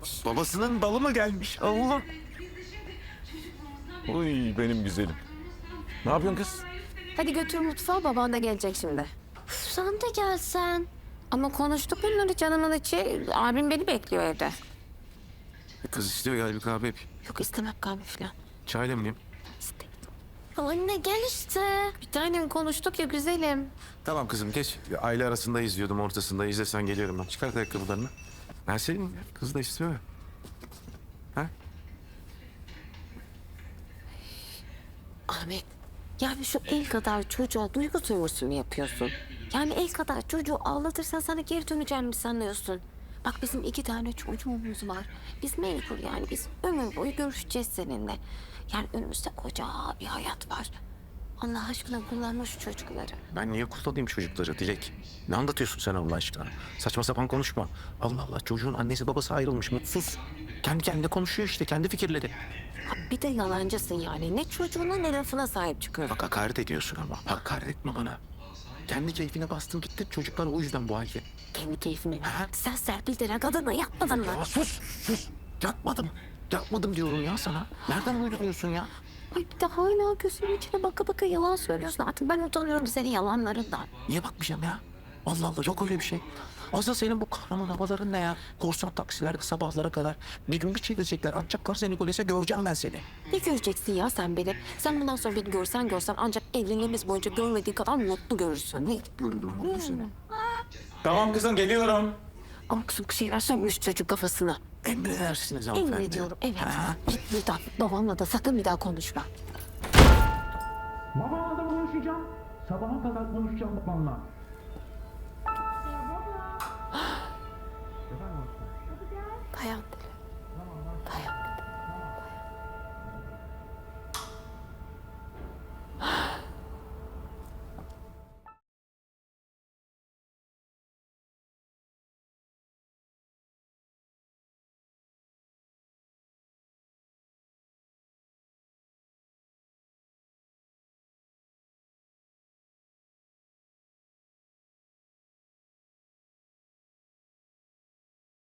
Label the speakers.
Speaker 1: Babasının balı mı gelmiş? Allah. Uy benim güzelim. Ne yapıyorsun kız?
Speaker 2: Hadi götür mutfağa, baban da gelecek şimdi.
Speaker 3: Üf, sen de gelsen.
Speaker 2: Ama konuştuk bunları canımın içi. Abim beni bekliyor evde.
Speaker 1: Kız istiyor gel bir kahve yap.
Speaker 2: Yok istemem kahve falan.
Speaker 1: Çay demleyeyim.
Speaker 2: İstemem.
Speaker 3: Anne gel işte.
Speaker 2: Bir tanem konuştuk ya güzelim.
Speaker 1: Tamam kızım geç. Aile arasında izliyordum ortasında. İzlesen geliyorum ben. Çıkart ayakkabılarını. Ben senin kız da istiyor ya. Ha?
Speaker 2: Ahmet, yani şu el kadar çocuğa duygu sömürüsü mü yapıyorsun? Yani el kadar çocuğu ağlatırsan sana geri döneceğim mi sanıyorsun? Bak bizim 2 tane çocuğumuz var. Biz mecbur yani biz ömür boyu görüşeceğiz seninle. Yani önümüzde koca bir hayat var. Allah aşkına kullanma şu çocukları.
Speaker 1: Ben niye kullanayım çocukları Dilek? Ne anlatıyorsun sen Allah aşkına? Saçma sapan konuşma. Allah Allah çocuğun annesi babası ayrılmış mutsuz. Kendi kendine konuşuyor işte kendi fikirleri.
Speaker 2: Ha, bir de yalancısın yani. Ne çocuğuna ne lafına sahip çıkıyorsun.
Speaker 1: Bak hakaret ediyorsun ama. Hakaret etme bana. Kendi keyfine bastın gitti. Çocuklar o yüzden bu halde.
Speaker 2: Kendi keyfine. Sen Serpil denen kadınla yapmadın mı?
Speaker 1: Ya sus sus. Yapmadım. Yapmadım diyorum ya sana. Nereden uyduruyorsun ya?
Speaker 2: Ay bir de hala gözümün içine baka baka yalan söylüyorsun. Artık ben utanıyorum senin yalanlarından.
Speaker 1: Niye bakmayacağım ya? Allah Allah yok öyle bir şey. Asıl senin bu kahraman havaların ne ya? Korsan taksilerde sabahlara kadar bir gün bir çevirecekler. Atacaklar seni polise göreceğim ben seni.
Speaker 2: Ne göreceksin ya sen beni? Sen bundan sonra beni görsen ancak evliliğimiz boyunca görmediğin kadar mutlu görürsün. Ne?
Speaker 1: Tamam kızım geliyorum.
Speaker 2: Ama kızım bir şeyler söylemiş çocuk kafasına.
Speaker 1: Emredersiniz hanımefendi.
Speaker 2: Emrediyorum evet.
Speaker 1: Ha?
Speaker 2: Git buradan. Babamla da sakın bir daha konuşma.
Speaker 4: Babamla da konuşacağım. Sabaha kadar konuşacağım babamla.
Speaker 2: Dayan.